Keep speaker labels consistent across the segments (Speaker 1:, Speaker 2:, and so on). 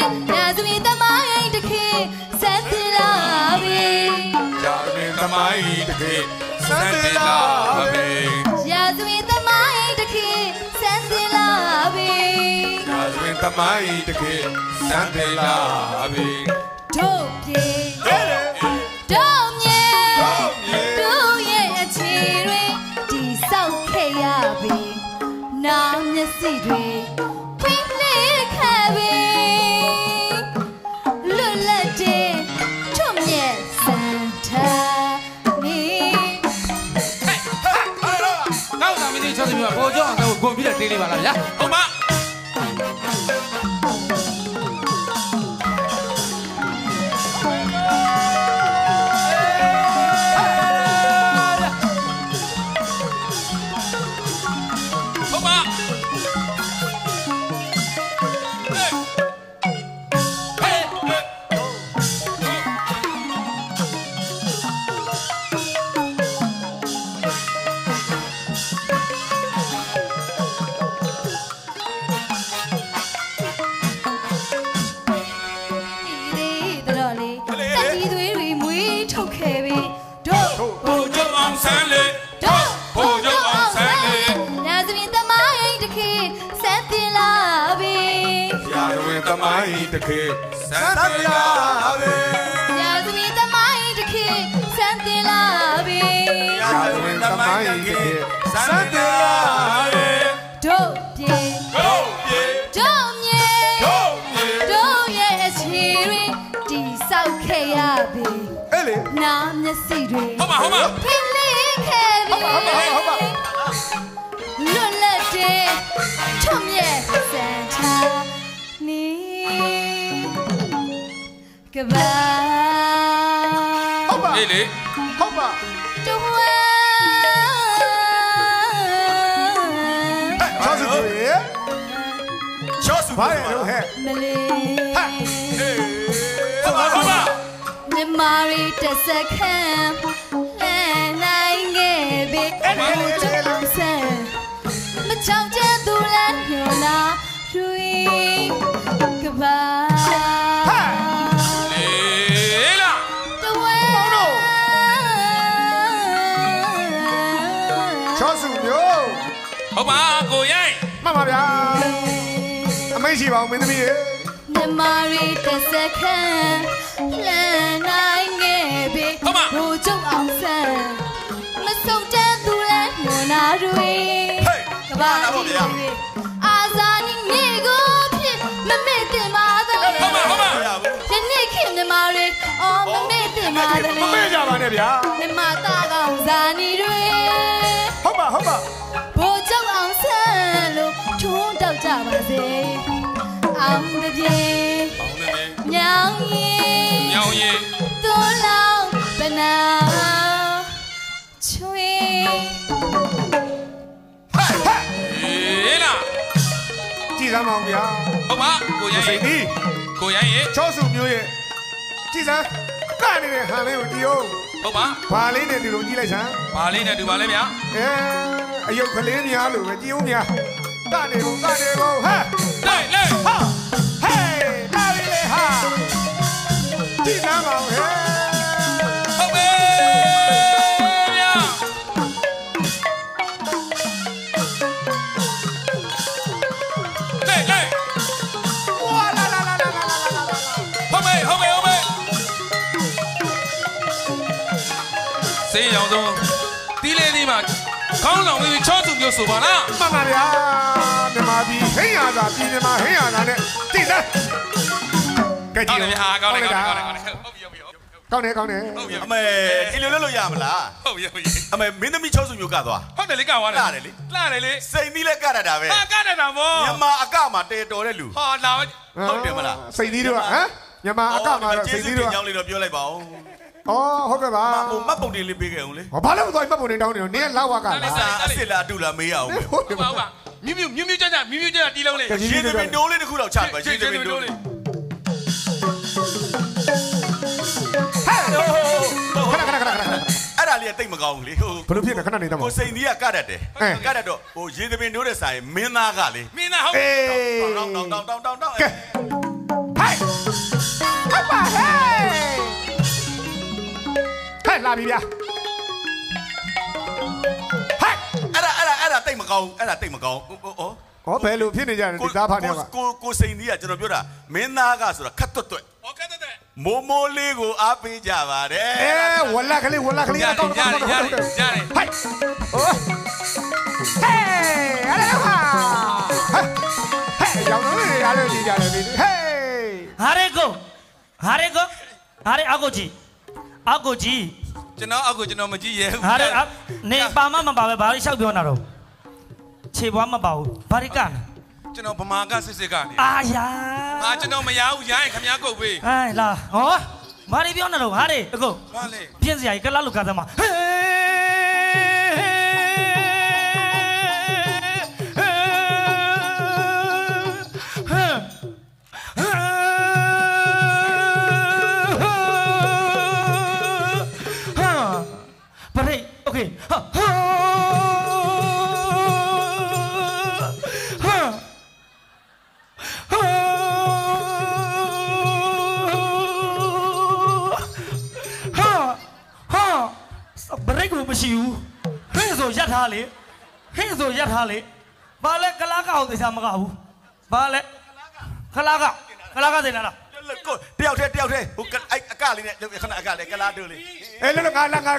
Speaker 1: ရာဇဝင်သမိုင်းတစ်ခေတ်စံတင်လာပြီ
Speaker 2: ရာဇဝင်သမိုင်းတစ်ခေတ်စံတင်လာပြီ
Speaker 1: ရာဇဝင်သမိုင်းတစ်ခေတ်စံတင်လာပြီ
Speaker 2: ရာဇဝင်သမိုင်းတစ်ခေတ်စံတင်လာပြီ
Speaker 1: တို့ပြေတို့မြေတို့ရဲ့အခြေတွေဒီဆောက်ခဲ့ရပြီနာမျက်စိတွေဖွင့်လှစ်ခဲ့ပြီလွတ်လပ်တဲ့ထွတ်မြတ်စံထားနေ
Speaker 3: နောက်သာမင်းကြီး60မျိုးပေါ်ကြောင်းတော့ဂုံပြီးတော့တင်းလေးပါလားဗျာ
Speaker 2: ဟုတ်ပါသမိုင်းတစ်ခေတ်စံတင်လာပြီ
Speaker 1: ရာဇဝင်သမိုင်းတစ်ခေတ်စံတင်လာပြီ
Speaker 2: ရာဇဝင်သမိုင်းတစ်ခေတ်စံတင်လာပြီ
Speaker 1: တို့ပြေတို့မြေတို့ရဲ့အခြေတွေဒီဆောက်ခဲ့ရပြီ
Speaker 2: အဲ့လေ
Speaker 1: နာမျက်စိတွေ
Speaker 2: ဟုတ်ပါ
Speaker 1: ဖိလေးခဲ့ပြီ
Speaker 2: ဟုတ်ပါ
Speaker 1: လွတ်လပ်တဲ့ထွတ်မြတ်စံထားနေကဘာ
Speaker 2: ဟုတ်ပါ
Speaker 3: လေ
Speaker 2: ဟုတ်ပါ
Speaker 1: တို့ဝဲ
Speaker 2: ချောစုရေချောစုဘာလဲလို့ဟဲ့
Speaker 1: မလေး
Speaker 2: ဟဲ့ဟုတ်ပါ
Speaker 1: မြမာရီတစ်စက္ကန့်လဲနိုင်ခဲ့ပြီဘူးချောဆန်မချောင်ကျသူလည်းညောနာရွေကဘာ
Speaker 2: ဟုတ်ပါကိုရိုင်းမှတ်ပါဗျာအမိတ်ရှိပါဦးမင်းသမီးရေ
Speaker 1: မြမာရီတစ်စက္ကန့်လမ်းနိုင်ခဲ့ပြီဘူကျုပ်အောင်ဆန်းမစုံတဲ့သူလည်းညနာတွေကဘာလို့ဗျာအာဇာနည်မြေကိုဖြစ်မမေ့တင်ပါသလဲ
Speaker 2: ဟုတ်ပါ
Speaker 1: ယနေ့ခင်မြမာရီအော်မမေ့တင်ပါသလဲ
Speaker 2: မမေ့ကြပါနဲ့ဗျာ
Speaker 1: မြမသားကောင်ဇာနည်တွေ
Speaker 2: ဟုတ်ပါ
Speaker 1: ဘူကျုပ်အောင်ဆန်းလို့ထုံးတောက်ကြပါစေအောင်တပြေညောင်ရင်သွလောင်းပနာချွေ
Speaker 2: ဟဲ့လားကြည်စမ်းပါဦးဗျာ
Speaker 3: ဟုတ်ပါကိုရိုင်းရဲ့
Speaker 2: ချောစုမျိုးရဲ့ကြည်စမ်းကနေဟန်လေးကိုတီးအောင်
Speaker 3: ဟုတ်ပါ
Speaker 2: ဘာလေးနဲ့ဒီလိုကြည့်လိုက်စမ်း
Speaker 3: ဘာလေးနဲ့ဒီပါလဲဗျာ
Speaker 2: အယုတ်ကလေးများလို့ပဲကြည်ဦးများကနေကုန်ဟဲ့
Speaker 3: လေ
Speaker 2: ဟာဟေးတာရီလေဟာကြည်စမ်းပါဦးဟဲ့
Speaker 3: ဟုတ်ပဲဗျာလေ
Speaker 2: ဝါလာ
Speaker 3: ဟုတ်ပဲစေးရောင်ဆုံးတီးလေးဒီမှာခေါင်းဆောင်ပြီးချောစုမျိုးဆိုပါလား
Speaker 2: မှန်ပါဗျာမြန်မာပြည်ဟိန်းရသာပြည်မြန်မာဟိန်းရသာနဲ့တည်တယ်ကြည့်ကြည့်
Speaker 3: အားကောင်းတယ်ဟုတ်ပြီ
Speaker 2: ကောင်းတယ်
Speaker 4: အမေဒီလိုလုပ်လို့ရမလား
Speaker 3: ဟုတ်ပြီ
Speaker 4: အမေမင်းသမီးချောစုမျိုးကသွား
Speaker 3: ဟုတ်တယ်လေကသွားတယ်
Speaker 4: လှတယ်လေစိန်သီးလည်းကတတ်တာပဲ
Speaker 3: ကတတ်တာဗော
Speaker 4: မြန်မာအကမှာတဲတော်တဲ့လူ
Speaker 3: ဟာလာ
Speaker 4: ဟုတ်တယ်မလား
Speaker 2: စိန်သီးတို့ဟမ်မြန်မာအကမှာစိန်သီးတို့
Speaker 4: ကျောင်းလေးတော့ပြောလိုက်ပါဦး
Speaker 2: ဟုတ်ကဲ့ပါ
Speaker 4: ဟိုမှတ်ပုံတင်လေးပေးခဲ့အောင်လေ
Speaker 2: ဘာလို့မသွားမှတ်ပုံတင်တောင်းနေတော့နင်းလောက်ဝကလား
Speaker 4: အစ်စ်လားအတူလားမေးရအောင်ပဲ
Speaker 3: ဟုတ်ပါမြူးကြတီးလုံးလေး
Speaker 4: ရေသမင်တိုးလေးတစ်ခုတော့ချပါရေသမင်တိုးလေးအဲ့ဒါလေးကတိတ်မကောင်းဘူးလေဟို
Speaker 2: ဘယ်လိုဖြစ်လဲခဏနေတော့
Speaker 4: ကိုစိန်သီးကကတတ်တယ်ကတတ်တော့ဟိုရေသမင်တိုးတဲ့ဆိုင်မင်းသားကလေ
Speaker 3: မင်းသားဟုတ်
Speaker 4: တောင်း
Speaker 2: ကဲဟဲ့ပြီဗျာဟဲ့
Speaker 4: အဲ့ဒါတိတ်မကောင်းအဲ့ဒါတိတ်မကောင်း
Speaker 2: ဟောဘယ်လိုဖြစ်နေကြလဲဒီသားဖားတယောက်က
Speaker 4: ကိုစိန်ကြီးကကျွန်တော်ပြောတာမင်းသားကဆိုတာခတ်တွတ်တွတ်
Speaker 3: ဟောခတ်တွတ်တွတ်
Speaker 4: မိုးမိုးလေးကိုအားပေးကြပါတယ်
Speaker 2: ဝလက်ကလေးအကောင်း
Speaker 3: ရတယ်
Speaker 2: ဟိုးဟေးအဲ့ဒါဟာဟဲ့ရောင်းနေရတယ်ဒီကြတယ်ဟေး
Speaker 5: ဟာရေကိုအကိုကြီး
Speaker 3: ကျွန်တော်အောက်ကိုကျွန်တော်မကြည့်ရဲဘူး
Speaker 5: ဟာရေနေပါမပါပဲဘာလို့ရှောက်ပြောနေတာတော့ခြေပွားမပါဘူးဘာရိက
Speaker 3: ကျွန်တော်ဗမာကစစ်ကနေ
Speaker 5: အာယာ
Speaker 3: ကျွန်တော်မရဘူးရရင်ခမည်းကုတ်ပေး
Speaker 5: ဟဲ့လာဟောဘာတွေပြောနေတော့ဟာရေအကို
Speaker 3: ဘာလဲ
Speaker 5: ပြင်းစရာကြီးကလားလို့ခါသမားမရှိဘူးဟင်းဆိုရက်ထားလေဘာလဲကလာကောက်သေချာမကဘူးဘာလဲကလာကသိလား
Speaker 4: ကိုတယောက်တည်းဟိုအဲ့အကလေးနဲ့ခဏအကလေးကလာတို့လေး
Speaker 2: အေးလို့ငါတင်ဟေး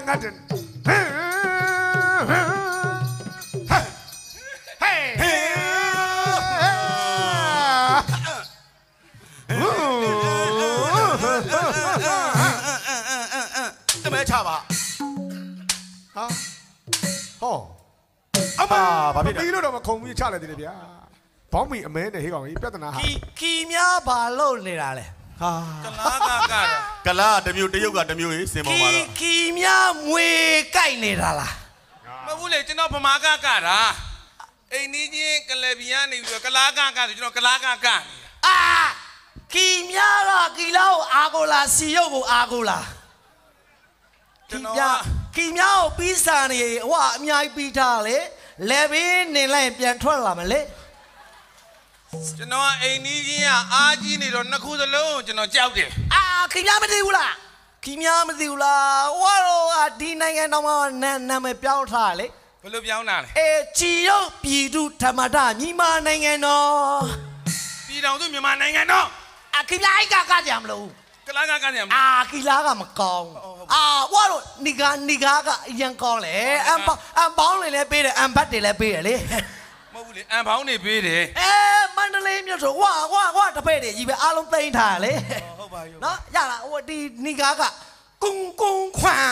Speaker 4: တမဲချပါ
Speaker 2: ဟာဟောအမဘာဖြစ်လဲပြီးလို့တော့မခုံပြီးချလိုက်သေးတယ်ဗျာဘောင်းမီအမဲနဲ့ဟေးကောင်ကြီးပြဿနာဟာ
Speaker 5: ခီများဘာလို့နေတာလဲ
Speaker 2: ဟာ
Speaker 4: ကလာတမျိုးတရုတ်ကတမျိုးကြီးစင်ပေါ်မှာတော့
Speaker 5: ခီများမွေကြိုက်နေတာလား
Speaker 3: မဟုတ်ဘူးလေကျွန်တော်ဗမာကတာအိမ်နီးချင်းကလဘီကနေပြီးတော့ကလာကဆိုကျွန်တော်ကလာက
Speaker 5: အာခီများတော့ကီလာကိုအာကိုလာစီရုပ်ကိုအာကိုလာ
Speaker 3: ကျွန်တော်
Speaker 5: ခီများကိုပြီးစားနေဟိုအများကြီးပြီးထားလေလဲဘေးနေလိုက်ပြန်ထွက်လာမလဲ
Speaker 3: ကျွန်တော်အိမ်နီးချင်းကအားကြီးနေတော့နှစ်ခုစလုံးကျွန်တော်ကြောက်တယ်
Speaker 5: ခီများမသိဘူးလားဟိုတော့ဒီနိုင်ငံတော်မှာနာမည်ပြောင်းထားလေ
Speaker 3: ဘယ်လိုပြောင်းတာလဲ
Speaker 5: ကြည်ရုပ်ပြည်သူဓမ္မတာမြန်မာနိုင်ငံတော်
Speaker 3: ပြည်တော်စုမြန်မာနိုင်ငံတော်
Speaker 5: ခီများကကြမလို့
Speaker 3: ကလာကကြရမ
Speaker 5: ခီလာကမကောင်းဝါတော့နီကာကအရင်ကောင်းလေအမ်ပေါင်းလည်းပေးတယ်အမ်ဘတ်တွေလည်းပေးတယ်လေ
Speaker 3: မဟုတ်ဘူးလေအမ်ပေါင်းနေပေးတယ်
Speaker 5: မန္တလေးမြို့ဆိုဝါတပည့်တွေကြီးပဲအားလုံးသိမ်းထားလေ
Speaker 3: ဟုတ်ပါရော
Speaker 5: နော်ရလားဟိုဒီနီကာကကုန်းခွန်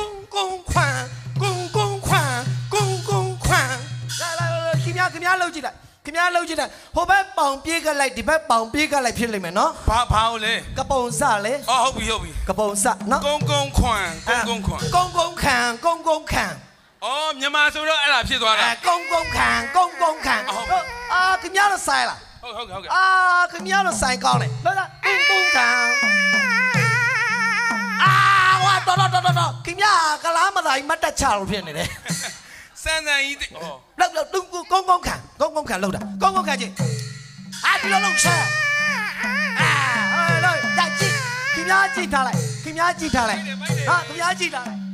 Speaker 5: လာခင်ဗျားလှုပ်ကြည့်လိုက်ဟိုဘက်ပေါင်ပြေးကလိုက်ဒီဘက်ပေါင်ပြေးကလိုက်ဖြစ်လိမ့်မယ်နော်
Speaker 3: ဘာဟုတ်လဲ
Speaker 5: ကပုံစလေ
Speaker 3: ဟုတ်ပြီ
Speaker 5: ကပုံစနော်
Speaker 3: ကုန်းခွန်မြန်မာဆိုတော့အဲ့ဒါဖြစ်သွားတာ
Speaker 5: ကုန်းခံခင်ဗျားတော့ဆိုင်လား
Speaker 3: ဟုတ်
Speaker 5: ခင်ဗျားတော့ဆိုင်ကောင်းတယ်ဟုတ်လားကုန်းခံဝါတော်ခင်ဗျားကလားမသာကြီးမတ်တက်ချလို့ဖြစ်နေတယ်
Speaker 3: စမ်းကြီး
Speaker 5: လောက်ကုန်းခံလောက်တာကုန်းခံချင်းဒီလိုလုံးဆက်လို့ကြည့်ခင်ဗျားကြည့်ထားလိုက်ခင်ဗျားကြည့်ထားလိုက်